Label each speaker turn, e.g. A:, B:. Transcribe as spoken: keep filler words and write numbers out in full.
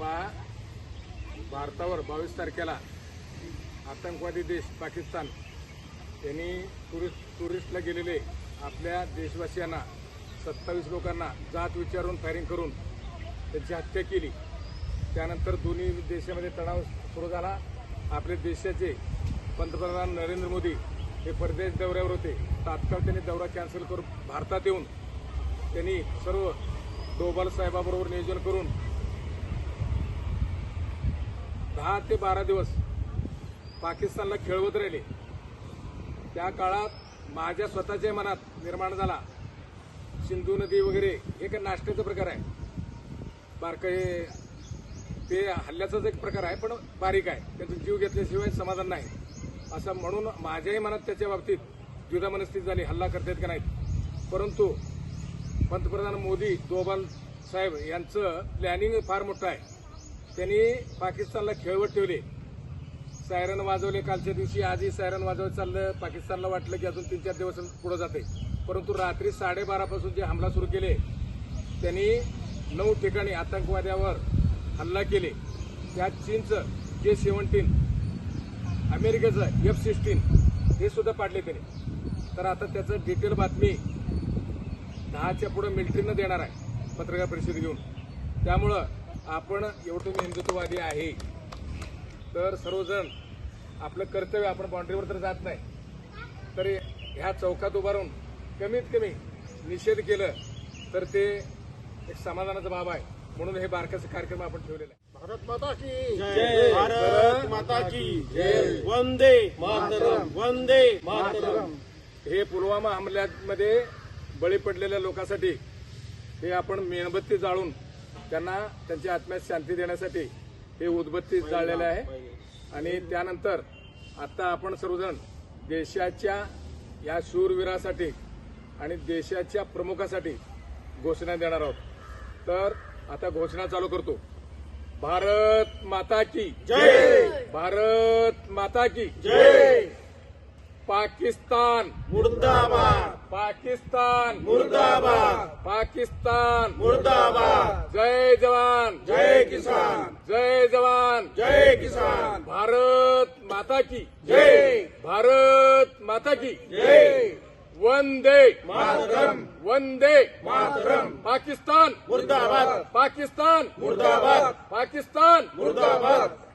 A: पहा, भारतावर बावीस तारखेला आतंकवादी देश पाकिस्तान यांनी टुरिस्ट टुरिस्टला गेलेले आपल्या देशवासियांना सत्तावीस लोकांना जात विचारून फायरिंग करून त्यांची हत्या केली। त्यानंतर दोन्ही देशामध्ये तणाव सुरू झाला। आपल्या देशाचे पंतप्रधान नरेंद्र मोदी हे परदेश दौऱ्यावर होते। तात्काळ त्यांनी दौरा कॅन्सल करून भारतात येऊन त्यांनी सर्व डोभाल साहेबाबरोबर नियोजन करून दहा ते बारा दिवस पाकिस्तानला खेळवत राहिले। त्या काळात माझ्या स्वतःच्या मनात निर्माण झाला, सिंधू नदी वगैरे हे काही नाश्त्याचा प्रकार आहे, बारका हे ते हल्ल्याचाच एक प्रकार आहे, पण बारीक आहे, त्यांचा जीव घेतल्याशिवाय समाधान नाही असं म्हणून माझ्याही मनात त्याच्या बाबतीत द्विधा मनस्थिती झाली, हल्ला करतात का नाहीत। परंतु पंतप्रधान मोदी डोभाल साहेब यांचं प्लॅनिंग फार मोठं आहे। त्यांनी पाकिस्तानला खेळवत ठेवले, सायरन वाजवले कालच्या दिवशी, आजही सायरन वाजवत चाललं। पाकिस्तानला वाटलं की अजून तीन चार दिवस पुढे जाते, परंतु रात्री साडेबारापासून जे हमला सुरू केले त्यांनी नऊ ठिकाणी आतंकवाद्यावर हल्ला केले। त्यात चीनचं जे सेव्हन्टीन, अमेरिकेचं एफ सिक्स्टीन हे सुद्धा पाडले त्यांनी। तर आता त्याचं डिटेल बातमी दहाच्या पुढे मिलिटरीनं देणार आहे पत्रकार परिषद घेऊन। त्यामुळं आपण एवढं तुम्ही हिंदुत्ववादी आहे तर सर्वजण आपलं कर्तव्य, आपण बाउंड्रीवर तर जात नाही, तर ह्या चौकात उभारून कमीत कमी निषेध केलं तर ते एक समाधानाचा बाब आहे। म्हणून हे बारकाचे कार्यक्रम आपण ठेवलेला आहे।
B: भारत माता की जय, भारत माता की जय, वंदे मातरम, वंदे मातरम।
A: हे पुलवामा हमल्यामध्ये बळी पडलेल्या लोकांसाठी हे आपण मेणबत्ती जाळून त्यांना त्यांच्या आत्म्यात शांती देण्यासाठी हे उदबत्ती जाळलेले आहे। आणि त्यानंतर आता आपण सर्वजण देशाच्या या शूरवीरासाठी आणि देशाच्या प्रमुखासाठी घोषणा देणार आहोत। तर आता घोषणा चालू करतो। भारत माता की
B: जय,
A: भारत माता की
B: जय,
A: पाकिस्तान
B: मुर्दाबाद,
A: पाकिस्तान
B: मुर्दाबाद,
A: पाकिस्तान
B: मुर्दाबाद।
A: जय जवान,
B: जय किसान,
A: जय जवान,
B: जय किसान।
A: भारत माता की
B: जय,
A: भारत माता की
B: जय,
A: वंदे
B: मातरम,
A: वंदे
B: मातरम।
A: पाकिस्तान
B: मुर्दाबाद,
A: पाकिस्तान
B: मुर्दाबाद,
A: पाकिस्तान
B: मुर्दाबाद।